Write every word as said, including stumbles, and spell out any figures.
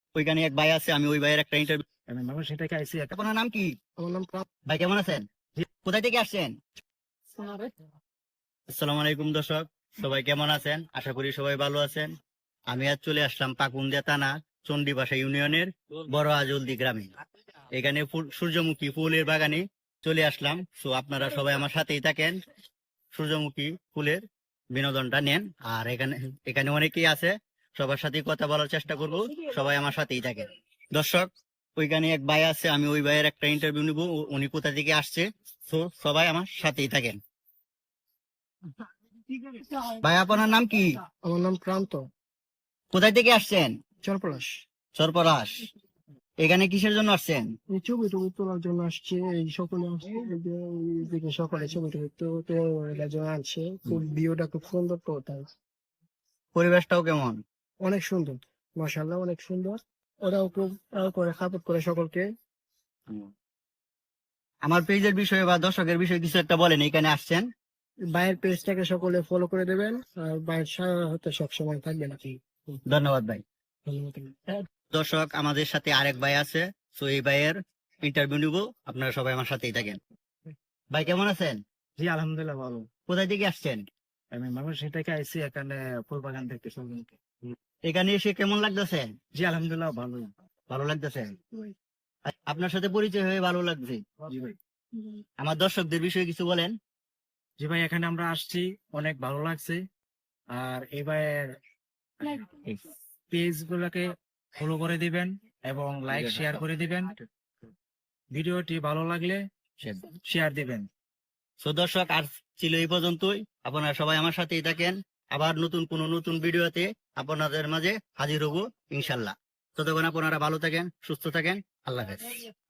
ওইখানে এক ভাই আছে, আমি ওই ভাইয়ের একটা ইন্টারভিউ। আমি মানুষ সেটাকে আইসি একটা আপনার নাম কি? আমার নাম প্রাপ ভাই কেমন আছেন? কোথায় থেকে আসছেন? আসসালামু আলাইকুম দর্শক, সবাই কেমন আছেন? আশা করি সবাই ভালো আছেন। আমি আজ চলে আসলাম পাকুন্দিয়া থানা চণ্ডীপাশা ইউনিয়নের বড় আজলদি গ্রামে। এখানে ফুল- সূর্যমুখী ফুলের বাগানে চলে আসলাম। তো আপনারা সবাই আমার সাথেই থাকেন, সূর্যমুখী ফুলের বিনোদনটা নেন। আর এখানে এখানে অনেকেই আছে, সবার সাথেই কথা বলার চেষ্টা করব। সবাই আমার সাথেই থাকেন দর্শক। ওইখানে এক ভাই আছে, আমি ওই ভাইয়ের একটা ইন্টারভিউ নিব। উ- উনি কোথা থেকে আসছে, তো সবাই আমার সাথেই থাকেন। ভাই আপনার নাম কি? আমার নাম প্রান্ত কোথায় থেকে আসছেন? চরপলাশ। সরপরাশ। এখানে কিসের জন্য আসছেন? এই ছবি টবি তোলার জন্য আসছে, এই সকলে আসছে, এই যে এইদিকে সকলে ছবি টবি তো- তোলার জন্য আসছে। খুব ভিউটা খুব সুন্দর, তো তাই পরিবেশটাও কেমন? অনেক সুন্দর, মাশাআল্লাহ অনেক সুন্দর। ওরাও খুব আহ, করে সাপোর্ট করে সকলকে। আমার পেজের বিষয়ে বা দর্শকের বিষয়ে কিছু একটা বলেন, এখানে আসছেন। বাইরের পেজটাকে সকলে ফলো করে দেবেন, আর বাইরের সাথে সবসময় থাকবেন আর কি। ধন্যবাদ ভাই। ধন্যবাদ। দর্শক, আমাদের সাথে আরেক ভাই আছে, তো এই ভাইয়ের ইন্টারভিউ নিব। আপনারা সবাই আমার সাথেই থাকেন। ভাই কেমন আছেন? জি আলহামদুলিল্লাহ ভালো। কোথায় থেকে আসছেন? আমি মানুষ সেটাকে আইসি এখানে ফুল বাগান দেখতে সকলকে। এখানে এসে কেমন লাগতেছে? জি আলহামদুলিল্লাহ ভালো। ভালো লাগতেছে। আপনার সাথে পরিচয় হয়ে ভালো লাগছে। জি ভাই। আমার দর্শকদের বিষয়ে কিছু বলেন। জি ভাই, এখানে আমরা আসছি, অনেক ভালো লাগছে। আর এবার পেজ গুলোকে ফলো করে দিবেন এবং লাইক শেয়ার করে দিবেন। ভিডিওটি ভালো লাগলে শেয়ার দিবেন। সো দর্শক, আর ছিল এই পর্যন্তই। আপনারা সবাই আমার সাথেই থাকেন। আবার নতুন কোন নতুন ভিডিওতে আপনাদের মাঝে হাজির হব ইনশাল্লাহ। ততক্ষণ আপনারা ভালো থাকেন, সুস্থ থাকেন। আল্লাহ হাফেজ।